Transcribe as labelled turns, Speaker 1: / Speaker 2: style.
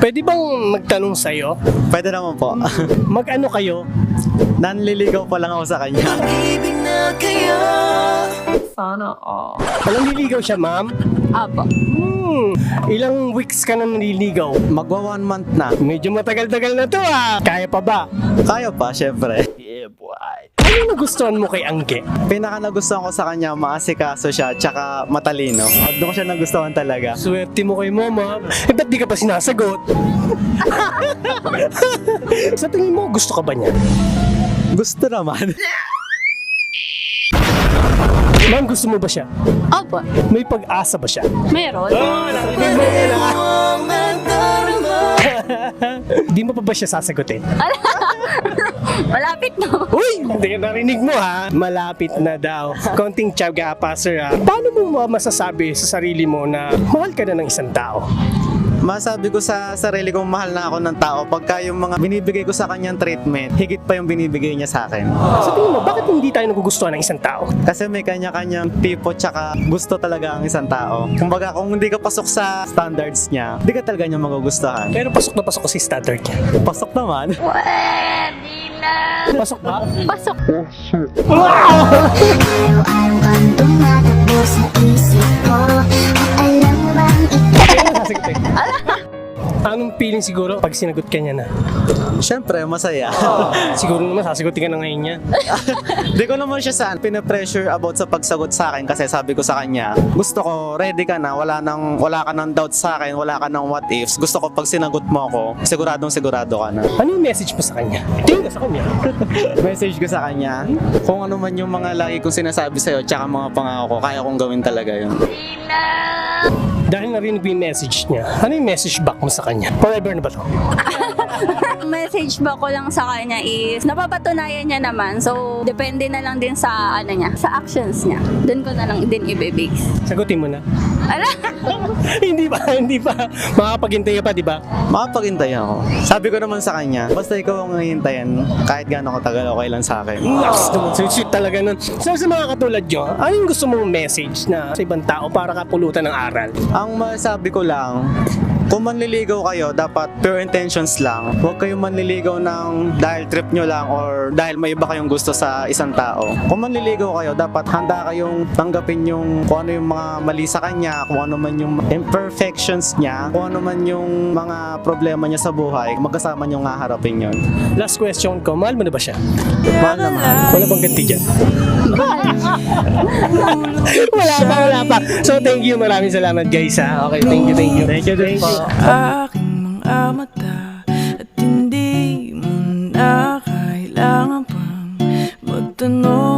Speaker 1: Pwede bang magtanong sa'yo?
Speaker 2: Pwede naman po.
Speaker 1: Mag-ano kayo?
Speaker 2: Nanliligaw pa lang ako sa kanya.
Speaker 3: Sana all.
Speaker 1: Walang niligaw siya, ma'am?
Speaker 3: Apo.
Speaker 1: Ilang weeks ka na naliligaw?
Speaker 2: Magwa 1 month na.
Speaker 1: Medyo matagal-tagal na to ah. Kaya pa ba?
Speaker 2: Kaya pa, syempre.
Speaker 1: Yeah, boy. Ano nagustuhan mo kay Angge?
Speaker 2: Pinaka nagustuhan ko sa kanya, maasikaso siya, tsaka matalino. Doon ko siya nagustuhan talaga.
Speaker 1: Swerte mo kay mama. Eh, ba't di ka pa sinasagot? Sa tingin mo, gusto ka ba niya?
Speaker 2: Gusto naman.
Speaker 1: Ma'am, gusto mo ba siya?
Speaker 3: Opo.
Speaker 1: May pag-asa ba siya?
Speaker 3: Meron.
Speaker 1: Narinig mo yun ah. Di mo pa ba siya sasagutin?
Speaker 3: Malapit na.
Speaker 1: Uy! Hindi ka narinig mo ha. Malapit na daw. Konting tiyaga pa, sir ha. Paano mo masasabi sa sarili mo na mahal ka na ng isang tao?
Speaker 2: Masabi ko sa sarili kong mahal na ako ng tao pagka yung mga binibigay ko sa kanyang treatment, higit pa yung binibigay niya sa akin.
Speaker 1: Sa tingin mo, bakit hindi tayo nagugustuhan ng isang tao?
Speaker 2: Kasi may kanya-kanyang tipo tsaka gusto talaga ang isang tao. Kumbaga kung hindi ka pasok sa standards niya, hindi ka talaga niya magugustuhan.
Speaker 1: Pero pasok na pasok ko si standard niya.
Speaker 2: Pasok naman.
Speaker 1: Pasok ba?
Speaker 3: Pasok.
Speaker 4: Araw-araw kang tumatakbo sa isip ko. At alam mo bang
Speaker 1: Sasagutin. Anong feeling siguro pag sinagot ka niya na?
Speaker 2: Siyempre, masaya.
Speaker 1: Siguro naman sasagutin ka na ngayon niya.
Speaker 2: Hindi ko naman siya saan pinapressure about sa pagsagot sa akin kasi sabi ko sa kanya, gusto ko, ready ka na, wala ka ng doubt sa akin, wala ka ng what ifs. Gusto ko pag sinagot mo ako, siguradong sigurado ka na.
Speaker 1: Ano yung message mo sa kanya? Tingin ka sa kanya.
Speaker 2: Message ko sa kanya, kung ano man yung mga lagi kong sinasabi sa'yo, tsaka mga pangako ko, kaya kong gawin talaga yun.
Speaker 1: Dahil narinig mo yung message niya, ano yung message back mo sa kanya? Forever na ba to?
Speaker 3: Message ba ko lang sa kanya is napapatunayan niya naman. So, depende na lang din sa ano niya, sa actions niya. Doon ko na lang din ibibase.
Speaker 1: Sagutin mo na.
Speaker 3: Ala?
Speaker 1: Hindi pa. Makakapaghintay ka pa, di ba?
Speaker 2: Makapaghintay ako. Sabi ko naman sa kanya, basta ikaw ang hihintayin, kahit gaano katagal, okay lang sa akin.
Speaker 1: Naks naman, sweet talaga nun. So sa mga katulad nyo, ano yung gusto mong message na sa ibang tao para kapulutan ng aral?
Speaker 2: Ang masabi ko lang, kung manliligaw kayo, dapat pure intentions lang. Huwag kayong manliligaw ng dahil trip nyo lang or dahil may iba kayong gusto sa isang tao. Kung manliligaw kayo, dapat handa kayong tanggapin yung kung ano yung mga mali sa kanya, kung ano man yung imperfections niya, kung ano man yung mga problema niya sa buhay, magkasama nyo nga harapin yun.
Speaker 1: Last question ko, mahal mo na ba siya?
Speaker 2: Mahal na mahal.
Speaker 1: Wala bang ganti dyan? wala pa. So thank you, maraming salamat guys ha. Okay, thank you. Thank you din po.
Speaker 5: Aking mga mata at hindi mo na kailangan pang magtanong.